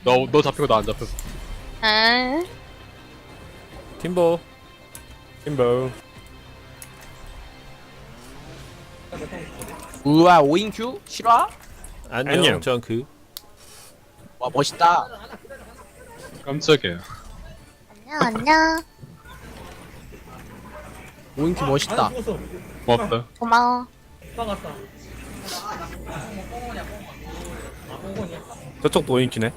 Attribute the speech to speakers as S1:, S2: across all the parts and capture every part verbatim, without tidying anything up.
S1: 너, 너 잡히고 나 안 잡혔어.
S2: 아,
S3: 팀보.
S4: 팀버.
S5: 우와 오인큐? 실화?
S3: 안녕,
S4: 안녕.
S3: 정크.
S5: 와 멋있다.
S1: 깜짝이야.
S2: 안녕, 안녕.
S5: 오인큐 멋있다.
S1: 고맙다.
S2: 고마워.
S4: 저쪽도 오인키네.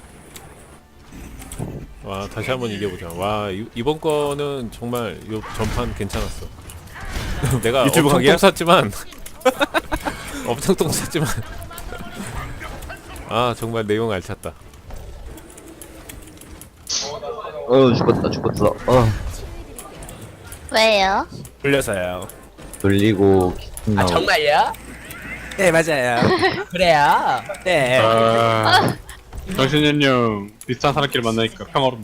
S3: 와, 다시 한번 이겨보자. 와, 이, 이번 거는 정말 요 전판 괜찮았어. 내가
S4: 유튜브
S3: 엄청
S4: 강의야?
S3: 똥 쌌지만 엄청 똥 쌌지만 아 정말 내용 알찼다.
S6: 어 죽었다 죽었어. 어
S2: 왜요?
S4: 돌려서요.
S6: 돌리고
S5: 아
S6: 나오고.
S5: 정말요?
S4: 네 맞아요.
S5: 그래요.
S4: 네.
S1: 아, 정신연령 비슷한 사람끼리 만나니까 평화롭네.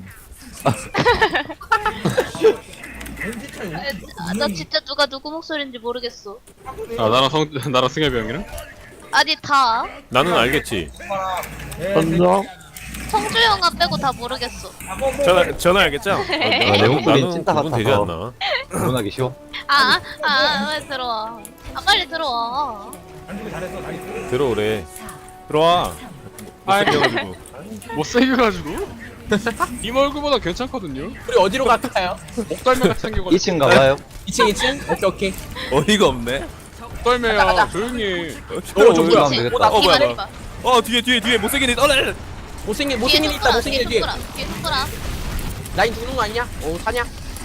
S2: 아, 나 진짜 누가 누구 목소리인지 모르겠어.
S1: 아, 나랑 성, 나랑 승엽이 형이랑?
S2: 아니, 다.
S3: 나는 알겠지.
S6: 선정?
S2: 성주 형아 빼고 다 모르겠어.
S4: 전화 전화 알겠죠?
S3: 어,
S6: 내
S3: 나는,
S6: 목소리는
S3: 나는
S6: 찐따
S3: 구분 되지
S6: 같아서.
S3: 않나?
S6: 구분하기 쉬워.
S2: 아, 아, 아, 왜 들어와. 아, 빨리 들어와.
S3: 들어오래.
S4: 들어와.
S1: 아이.
S4: 못생겨가지고.
S1: 못생겨가지고? 임 얼굴보다 괜찮거든요?
S5: 우리 어디로 갈까요?
S1: 목덜매 같이 생겨가지고.
S6: 이 층 가봐요.
S5: 이 층 이 층? 오케이 오케이.
S4: 어이가 없네.
S1: 목덜매야, 조용히 해.
S5: 오 저
S6: 어,
S5: 뭐야?
S6: 되겠다.
S5: 오나
S4: 어, 뭐야,
S2: 기다려봐.
S4: 뭐야. 어 뒤에 뒤에 뒤에 못생긴 애. 어, 네.
S5: 못생긴 못생긴 애 있다. 못생긴 애 뒤에.
S2: 뒤에 손가락.
S5: 라인 죽는 거 아니냐? 오 사냐?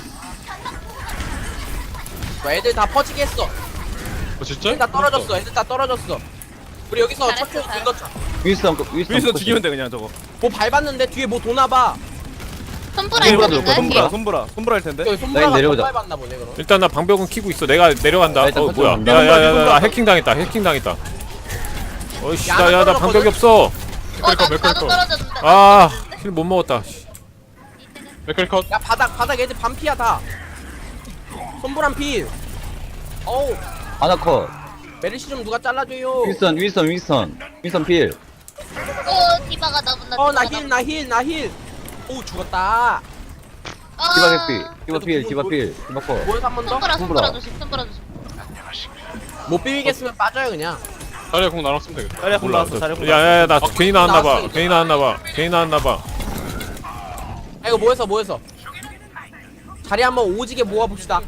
S5: 뭐 애들 다 퍼지게 했어.
S1: 어, 진짜?
S5: 애들 다 떨어졌어. 애들 다 떨어졌어. 우리 여기서
S2: 잘했어,
S5: 첫째
S2: 잘했어.
S5: 긁었자.
S6: 윈스턴 윈스턴
S4: 위에서 죽이면 돼 그냥 저거.
S5: 뭐 밟았는데 뒤에 뭐 도나봐.
S2: 손보라
S6: 손보라
S2: 있는데?
S4: 손브라 손브라 손브라 할 텐데.
S5: 여기 손보라가
S6: 내려오자.
S5: 더 밟았나 보네 그럼.
S3: 일단 나 방벽은 키고 있어. 내가 내려간다.
S6: 나 일단
S3: 어 뭐야?
S6: 컨트롤.
S3: 야야야, 나 해킹 당했다. 해킹 당했다. 어이씨,
S5: 야,
S3: 나야 나
S5: 떨어졌거든?
S3: 방벽이 없어.
S2: 어, 나,
S1: 몇 컬,
S2: 나도
S1: 몇 컬.
S2: 떨어졌는데.
S3: 아, 힐 못 먹었다. 씨.
S1: 맥클컷.
S5: 야 바닥 바닥 애들 반피야 다. 손보람 필. 어우
S6: 아나컷.
S5: 메르시 좀 누가 잘라줘요.
S6: 윈스턴 윈스턴 윈스턴 윈스턴 필.
S2: 어, 디바가 나본다.
S5: 어 나 힐 나 힐 나 힐. 오 죽었다.
S6: 디바 개피. 디바 필 디바 필. 디바 컷.
S5: 뭐해서 한 번 더?
S2: 손보라,
S6: 손보라.
S2: 손보라 조심, 손보라 조심.
S5: 못 비비겠으면 빠져요 그냥.
S1: 자리에 공 나눠 쓰면 되겠다.
S4: 자리야
S3: 몰라.
S4: 골라왔어. 자리야 골라.
S3: 야야야, 나 괜히 나왔나 봐.
S5: 나왔어,
S3: 괜히 나왔나 봐. 괜히 나왔나 봐.
S5: 아 이거 뭐해서 뭐해서. 자리 한번 오지게 모아봅시다.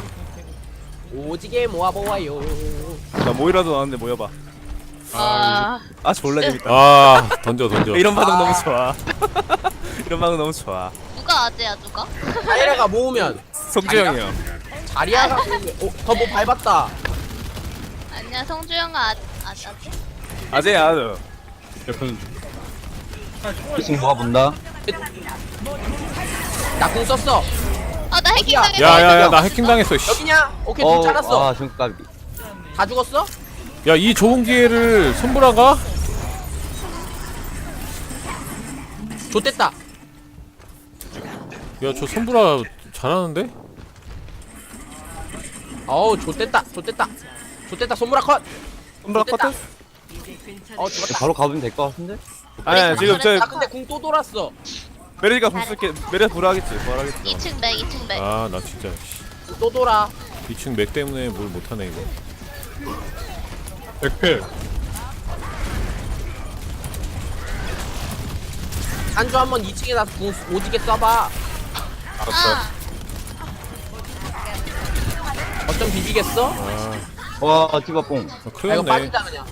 S5: 오지게 모아보아요.
S4: 나 모이라도 나왔는데 모여봐.
S2: 아,
S4: 아 졸라 재밌다.
S3: 아, 던져 던져.
S4: 이런 반응 너무 좋아. 이런 반응 너무 좋아.
S2: 누가 아재야, 누가?
S5: 자리아가 모으면
S4: 성주 형이요.
S5: 자리아가 모으면 어, 더 뭐 밟았다.
S2: 아니야, 성주 형아, 아, 아재.
S4: 아재야. 너.
S1: 옆에는
S6: 이 층 모아본다.
S5: 나 공 썼어.
S2: 아, 나 해킹
S5: 어디야?
S2: 당했어.
S3: 야야야, 나 해킹 당했어. 씨.
S5: 여기냐? 오케이 공 잘랐어.
S6: 아 중까비.
S5: 다 죽었어?
S3: 야, 이 좋은 기회를 손보라가?
S5: 좋댔다.
S3: 야, 저 손보라 잘하는데?
S5: 어우 좋댔다. 좋댔다. 좋댔다. 손무라 컷.
S4: 손브라
S5: 됐다.
S4: 커트?
S5: 어 죽었다.
S6: 바로 가면 될 것 같은데?
S4: 아니 지금 저
S5: 나 근데 공 또 돌았어.
S4: 메리가 부술게 메리 부활하겠지. 부활하겠지.
S2: 이 층 맥, 이 층 맥.
S3: 아, 나 진짜
S5: 공 또 돌아.
S3: 이 층 맥 때문에 뭘 못하네 이거.
S1: 백필.
S5: 한주 한번 이 층에다 공 오지게 쏴봐.
S2: 아,
S5: 어쩜 비비겠어?
S3: 아,
S6: 와 디바 뽕.
S3: 아
S5: 아,
S3: 큰일
S5: 이거
S3: 났네.
S5: 빠지자 그냥.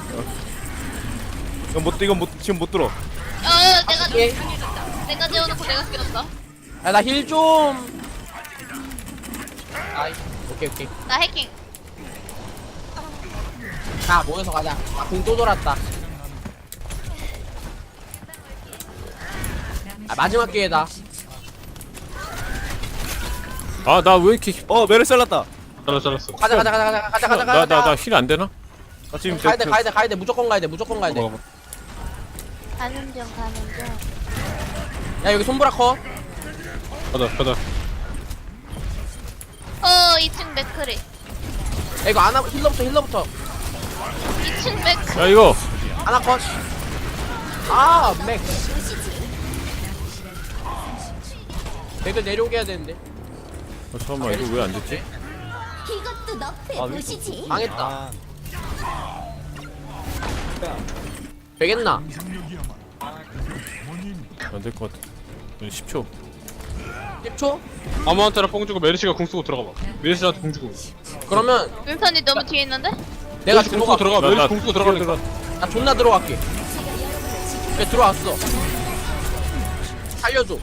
S4: 이건 못 이건 못 지금 못 들어.
S2: 어, 어, 내가,
S5: 예.
S2: 내가 재워놓고 내가 끼웠다.
S5: 야 나 힐 좀. 아이 오케이 오케이.
S2: 나 해킹.
S5: 자 모여서 가자. 아 공 또 돌았다. 아 마지막 기회다.
S3: 아, 나 왜 이렇게
S4: 어 메리 잘랐다.
S1: 잘랐어, 잘랐어.
S5: 가자 가자 가자 가자 가자 가자
S3: 나
S5: 가자.
S3: 나 나 힐 안 되나?
S4: 나 지금
S5: 가야 돼
S4: 저-
S5: 가야 돼 가야 돼 무조건 가야 돼 무조건 가야 돼.
S1: 어,
S2: 가는 중, 가는 중.
S5: 야 여기 손브라 컷.
S1: 가자, 가자.
S2: 어, 이 층 맥크리.
S5: 야 이거 아나 힐러부터 힐러부터.
S2: 이 층 맥.
S3: 야, 이거
S5: 아나 컷. 아 맥. 맥을 내려오게 해야 되는데.
S3: 어, 잠깐만 이거 왜 안 됐지?
S7: 이것도 너프에
S6: 아,
S7: 보시지.
S5: 망했다. 되겠나?
S3: 안 될 것 같아. 십 초.
S5: 십 초?
S1: 아무한테나 뽕 주고 메르시가 궁 쓰고 들어가봐. 메르시한테 궁 주고.
S5: 그러면
S2: 윈선이 너무 뒤에 있는데?
S5: 내가
S1: 메르시 궁 쓰고
S5: 들어가.
S1: 들어가.
S3: 나-
S1: 메르시
S3: 나
S1: 궁 쓰고 들어가니까.
S5: 나 존나 들어갈게. 그래 들어왔어. 살려줘.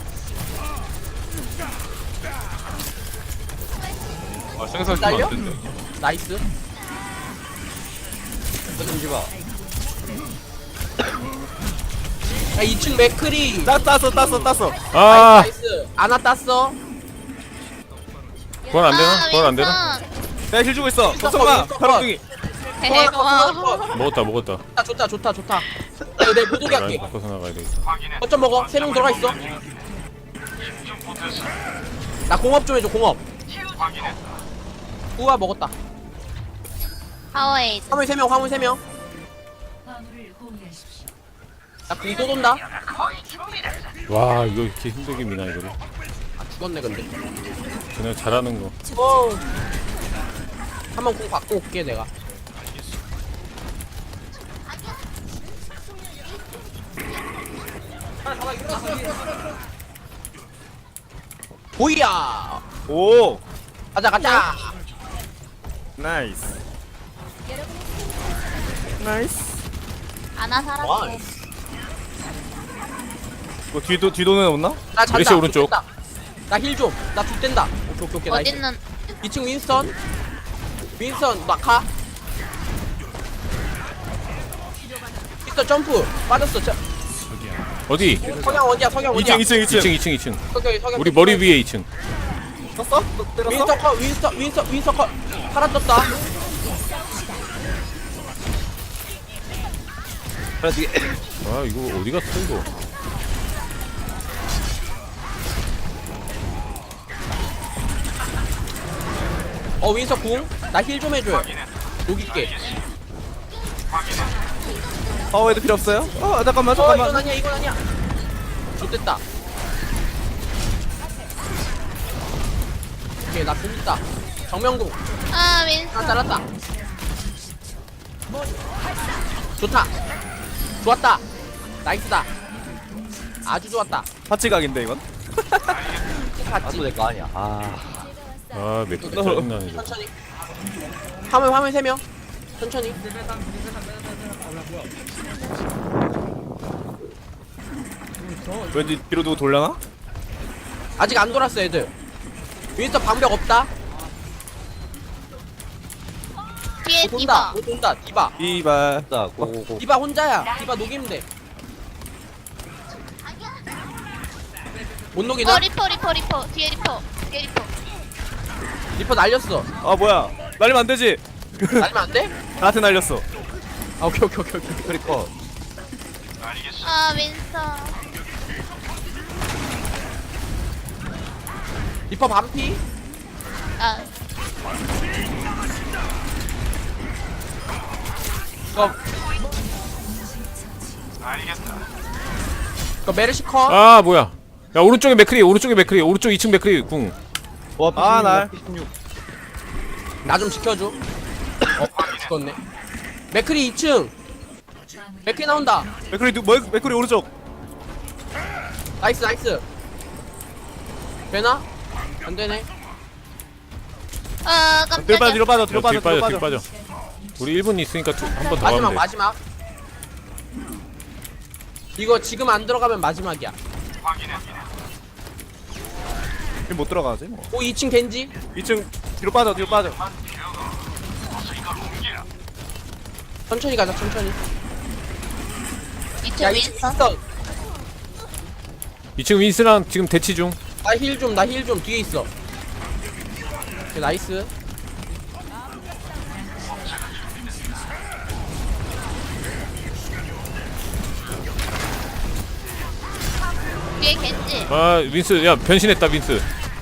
S1: 아 생산
S5: 날려?
S1: 안 된대.
S5: 나이스.
S6: 던지마.
S5: 야 이 층 맥크리.
S4: 따 땄어 땄어 땄어.
S3: 아,
S5: 나이스. 아나 땄어.
S3: 그건 안 되나?
S2: 아,
S3: 그건 안 되나?
S2: 윈선.
S4: 내가 힐 주고 있어.
S5: 윈스턴
S4: 걱정마.
S5: 윈스턴
S4: 바람둥이.
S2: 헤헤 고마워.
S3: 먹었다, 먹었다.
S5: 좋다 좋다 좋다 좋다. 야, 내가 못 오게
S3: 라인
S5: 할게.
S3: 바꿔서 나가야 되겠다.
S5: 거점 먹어. 세 명 들어가 있어. 나 공업 좀 해줘 공업. 우와 먹었다.
S2: 파워에이드.
S5: 화물 세 명 화물 세 명. 나 공도 돈다.
S3: 와, 이거 이렇게 힘들게 미나 이거를.
S5: 아 죽었네 근데.
S3: 그냥 잘하는 거.
S5: 어. 한번 공 받고 올게 내가. 보이야.
S4: 오.
S5: 가자 가자.
S4: 나이스. 나이스.
S2: 아나 살았어.
S5: 와.
S4: 뭐 뒤도 뒤도는 없나?
S5: 나 잔다.
S3: 메시 오른쪽.
S5: 나 힐 좀. 나 죽된다. 오케이 오케이 오케이. 나이스.
S2: 어딨는
S5: 이 층 윈스턴. 윈스턴 마카. 윈스턴 점프. 빠졌어. 저,
S3: 어디?
S5: 석양 어디야? 석양 어디야?
S4: 이 층 이 층 이 층.
S3: 이 층, 이 층, 이 층.
S5: 석양 석양.
S3: 우리 머리 위에 이 층.
S4: 떴어? 때렸어?
S5: 윈스턴 컷. 윈스턴 윈스턴 윈스턴 컷. 팔아졌다.
S6: 바람둥이.
S3: 아, 이거 어디 갔어 이거?
S5: 어 윈스턴 궁. 나 힐 좀 해줘요. 녹일게.
S4: 파워헤드 필요 없어요? 어 잠깐만
S5: 어 이건
S4: 잠깐만.
S5: 아니야 이건 아니야. 좋됐다. 오케이 나 궁 있다. 정면궁.
S2: 아
S5: 하나
S2: 윈선.
S5: 잘랐다. 좋다. 좋았다. 나이스다. 아주 좋았다.
S4: 파치각인데 이건?
S5: 봤지?
S6: 아또 내 거 아니야. 아.
S3: 아, 맥주 짜증나네 이거.
S5: 천천히. 화물 화물 세 명. 천천히.
S4: 왠지 뒤로 두고 돌려나?
S5: 아직 안 돌았어 애들. 윈스턴 방벽 없다.
S2: 뒤에
S5: 못 돈다.
S2: 디바.
S5: 못 돈다. 디바.
S4: 이발.
S6: 자 고고고.
S5: 디바 혼자야. 디바 녹이면 돼. 못 녹이나?
S2: 어 리퍼 리퍼 리퍼. 뒤에 리퍼. 뒤에 리퍼.
S5: 리퍼 날렸어.
S4: 아 뭐야? 날리면 안 되지.
S5: 날리면 안 돼?
S4: 나한테 날렸어.
S5: 아 오케이 오케이 오케이 오케이.
S6: 크리커.
S2: 아 윈선.
S5: 리퍼 반피.
S2: 아
S5: 이거. 이거 메르시 컷.
S3: 아, 뭐야? 야, 오른쪽에 맥크리, 오른쪽에 맥크리, 오른쪽 이 층 맥크리 궁.
S6: 와
S4: 아, 날.
S6: 피십육.
S5: 나 좀 지켜줘. 어, 죽었네. 맥크리 이 층. 맥크리 나온다.
S4: 맥크리 누 뭐, 맥크리 오른쪽.
S5: 나이스, 나이스. 되나? 안 되네.
S2: 아
S4: 뒤로 빠져
S2: 깜짝이야.
S4: 뒤로 빠져 뒤로
S3: 야, 뒤
S4: 빠져
S3: 빠져,
S4: 뒤로
S3: 뒤
S4: 빠져.
S3: 빠져. 우리 일 분 있으니까 한 번 더
S5: 마지막,
S3: 하면 돼.
S5: 마지막. 이거 지금 안 들어가면 마지막이야.
S4: 지금 못 들어가지 뭐.
S5: 오, 이 층 겐지.
S4: 이 층 뒤로 빠져 뒤로 빠져.
S5: 천천히 가자, 천천히.
S2: 이쪽
S5: 야, 이 층
S2: 윈선.
S5: 윈스턴.
S3: 이 층 윈스랑 지금 대치 중.
S5: 나 힐 좀, 나 힐 좀. 뒤에 있어. 오케이, 나이스.
S2: 뒤에 겐지.
S3: 아, 윈스, 야, 변신했다, 윈스.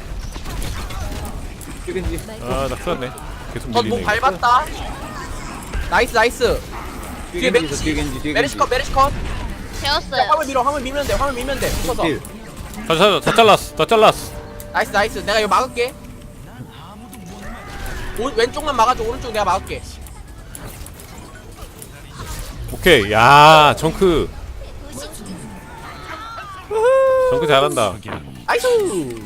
S6: 겐지.
S3: 아, 나 큰일 났네. 계속
S5: 넌뭐
S3: 밀리네. 이거.
S5: 밟았다. 나이스, 나이스.
S6: 뒤에
S5: 뒤에
S6: 겐지 있어. 뒤에
S5: 메리시.
S6: 겐지. 뒤에
S5: 메리시
S6: 겐지.
S5: 컷, 메리시 컷.
S2: 재웠어요.
S5: 화물 밀어 화물 밀면 돼 화물 밀면 돼 붙어서.
S6: 필.
S3: 다, 다, 다 잘랐어 다 잘랐어.
S5: 나이스 나이스 내가 이거 막을게. 오, 왼쪽만 막아줘 오른쪽 내가 막을게.
S3: 오케이. 야 정크 정크 잘한다.
S5: 나이스.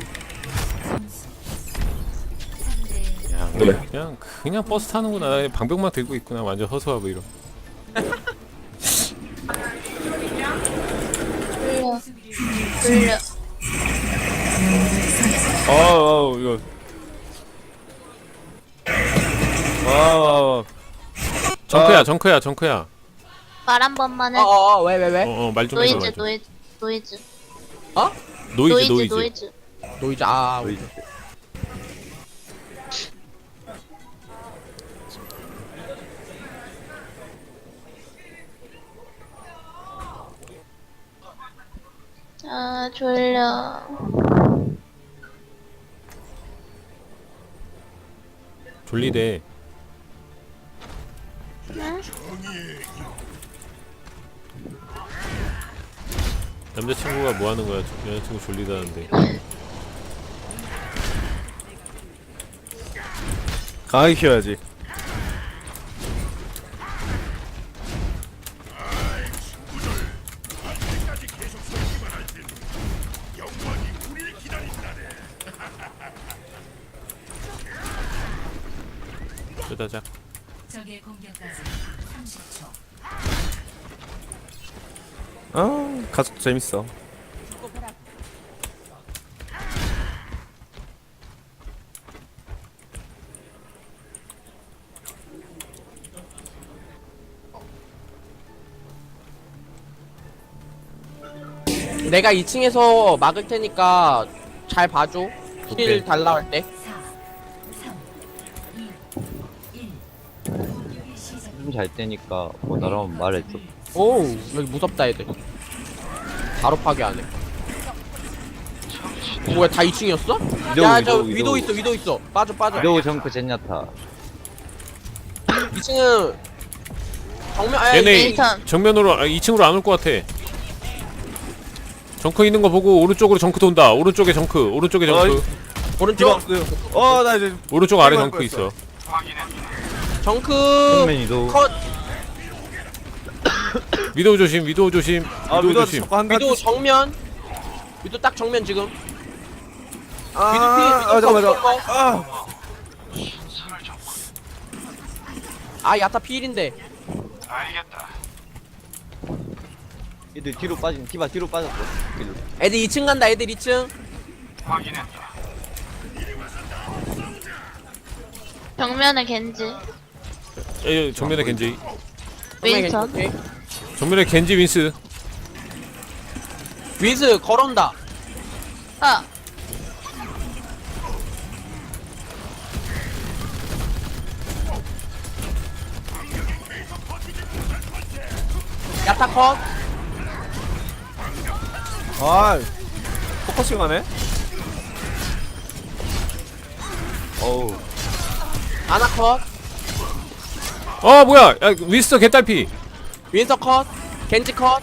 S3: 야 그냥 그냥 버스 타는구나. 방벽만 들고 있구나. 완전 허수아비 이런.
S2: 돌려. 돌려.
S4: 어어 이거 와와
S3: 정크야
S4: 아.
S3: 정크야 정크야.
S2: 말 한 번만 해.
S5: 어어어 왜 왜 왜?
S3: 어어 말 좀 해봐.
S2: 노이즈
S3: 말 좀.
S2: 노이즈 노이즈
S5: 어?
S3: 노이즈 노이즈.
S2: 노이즈.
S5: 노이즈 아
S6: 노이즈.
S2: 아 졸려.
S3: 졸리대.
S2: 응?
S3: 남자친구가 뭐 하는 거야? 여자친구 졸리다는데.
S4: 강하게 키워야지.
S3: 쩌다작.
S8: 적의 공격까지 삼십 초.
S4: 아 가족도 재밌어.
S5: 내가 이 층에서 막을 테니까 잘 봐줘.
S3: 오케이.
S5: 힐 달라 할 때.
S8: 사, 삼, 이, 일. 공격이 시작.
S6: 좀 잘 때니까 뭐 나라면 말해줘.
S5: 오 여기 무섭다 애들. 바로 파괴하네. 뭐야 다 이 층이었어?
S6: 위도우,
S5: 야 저
S6: 위도우,
S5: 위도
S6: 위도우.
S5: 있어 위도 있어. 빠져 빠져.
S6: 위도우 정크 젠야타.
S5: 이 층은 정면 아
S3: 얘네
S5: 이게
S2: 윈선.
S3: 정면으로 아, 이 층으로 안 올 것 같아. 정크 있는 거 보고 오른쪽으로 정크 돈다. 오른쪽에 정크. 오른쪽에 정크.
S4: 어이.
S5: 오른쪽
S4: 어나 이제
S3: 오른쪽 아래
S4: 빨리
S3: 정크
S4: 빨리
S3: 있어.
S5: 정크
S6: 정면 위도우.
S5: 컷.
S3: 위도우 조심. 위도우 조심.
S4: 아
S3: 위도우
S4: 위도
S3: 조심.
S4: 자꾸 한
S5: 위도
S4: 가지.
S5: 정면. 위도 딱 정면 지금.
S4: 아,
S5: 위도 피,
S4: 아
S5: 위도
S4: 잠깐만
S5: 거,
S4: 잠깐만. 아
S5: 아 야타 피일인데.
S6: 얘들 뒤로 빠진 티바 뒤로 빠졌어. 뒤로.
S5: 애들 이 층 간다 애들 이 층.
S2: 정면에 겐지.
S3: 에, 정면에 겐지.
S2: 윈선.
S5: 오케이.
S3: 정면에 겐지 윈스.
S5: 윈스 걸어온다.
S2: 아
S5: 야타 컷.
S4: 아 포커싱 하네.
S6: 어우.
S5: 아나 컷.
S3: 어 뭐야? 야, 윈스 개딸피.
S5: 윈서 컷. 겐지 컷.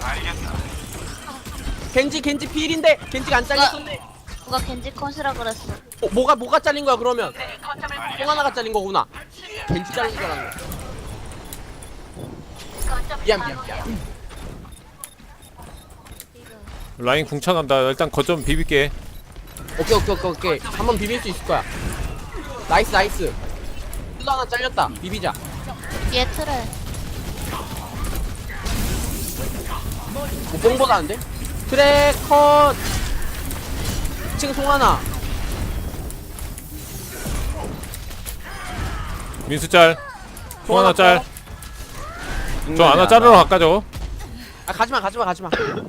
S5: 겐지 겐지 피일인데 겐지가 안 잘렸었네.
S2: 누가 겐지 컷이라 그랬어.
S5: 어, 뭐가 뭐가 잘린 거야 그러면? 똥 하나가 잘린 거구나. 겐지 잘린 줄 알았네. 미안 미안 미안.
S3: 라인 궁창한다. 일단 거점 비빌게.
S5: 오케이 오케이 오케이 오케이. 한번 비빌 수 있을 거야. 나이스 나이스. 힐러 하나 잘렸다. 비비자.
S2: 뒤에 틀에.
S5: 뭐 뽕보다 안 돼? 트랙 컷. 이 층 송하나.
S3: 윈스 짤. 송 하나 짤. 저 하나 자르러 갈까 저거?
S5: 아 가지마 가지마 가지마.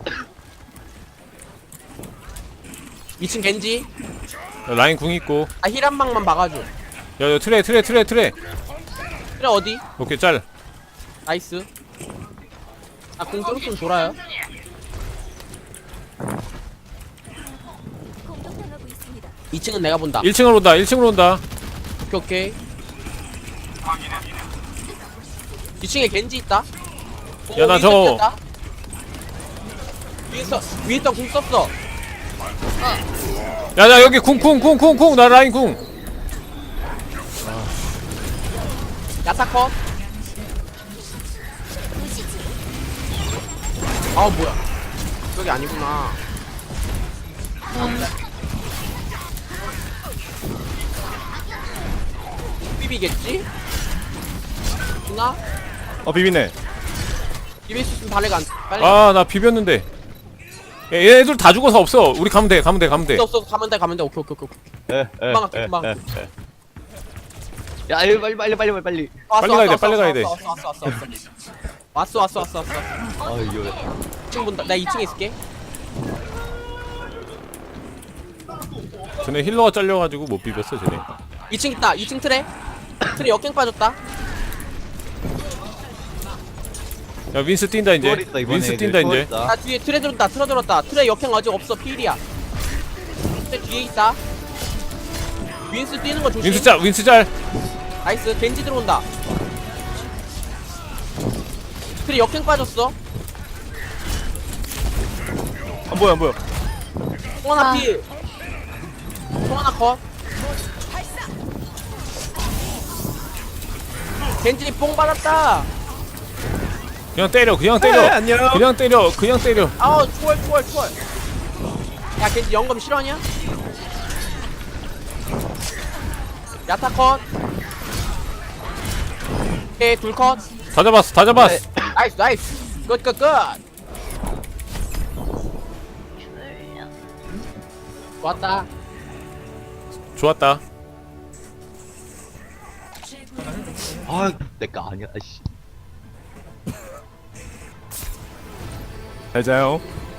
S5: 이 층 겐지.
S3: 야, 라인 궁 있고.
S5: 아 힐 한 방만 막아줘.
S3: 야, 야 트레 트레 트레 트레.
S5: 트랙 어디?
S3: 오케이 짤.
S5: 나이스. 아공 좀 돌아요. 이 층은 내가 본다.
S3: 일 층으로 온다. 일 층으로 온다.
S5: 오케이 오케이. 이 층에 겐지 있다.
S3: 야, 나
S5: 오,
S3: 저거-
S5: 윈스턴 됐다. 윈서 윈서 궁 썼어.
S3: 야야 여기 쿵쿵쿵쿵쿵 나 라인 쿵.
S5: 야타컷. 아 뭐야? 저기 아니구나. 비비겠지? 누나?
S4: 어 비비네.
S5: 비빌 수 있으면 빨리 간. 빨리.
S3: 아 나 비볐는데. 야, 얘들 다 죽어서 없어. 우리 가면 돼 가면 돼 가면 돼.
S5: 없어 없어 가면 돼 가면 돼. 오케이 오케이 오케이.
S6: 에, 에,
S5: 금방 갈게
S6: 에,
S5: 금방.
S6: 에, 에. 야, 이거 빨리, 빨리, 빨리, 빨리, 빨리.
S5: 왔어,
S3: 빨리 가야 돼,
S5: 왔어,
S3: 빨리
S5: 왔어,
S3: 가야 돼.
S5: 왔어 왔어 왔어 왔어 왔어 왔어 왔어.
S6: 아, 이거.
S5: 이 층 본다. 나 이 층에 있을게.
S3: 쟤네 힐러가 잘려가지고 못 비볐어 쟤네.
S5: 이 층 있다. 이 층 트레. 트레 역행 빠졌다.
S3: 야 윈스 뛴다 이제.
S6: 초월했다, 이번에
S3: 윈스
S6: 애들.
S3: 뛴다 이제.
S6: 초월했다.
S5: 나 뒤에 트레 들었다. 트레 들었다. 트레 역행 아직 없어. 필이야. 트레 뒤에 있다. 윈스 뛰는 거 조심.
S3: 윈스 짤 윈스 짤.
S5: 나이스. 겐지 들어온다. 트레 역행 빠졌어.
S4: 안 보여 안 보여.
S5: 송하나
S2: 아.
S5: 필. 송하나 컷. 겐지 뽕 받았다.
S3: 그냥 때려 그냥
S4: 에,
S3: 때려.
S4: 안녕.
S3: 그냥 때려 그냥 때려.
S5: 아우 초월 초월 초월. 야 겐지 영검 실화냐? 야타 컷. 오케이 둘 컷.
S3: 다 잡았어 다 잡았어.
S5: 나이스 나이스. 굿굿굿. 좋았다.
S3: 좋았다.
S6: 아, 내거 아니야, 씨.
S4: 잘 자요.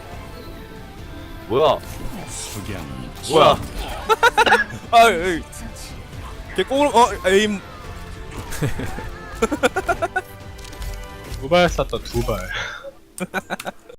S6: 뭐야?
S4: 뭐야? 아, 에이. 걔 꽁으로 어 에임.
S1: 두 발 쐈다 두 발.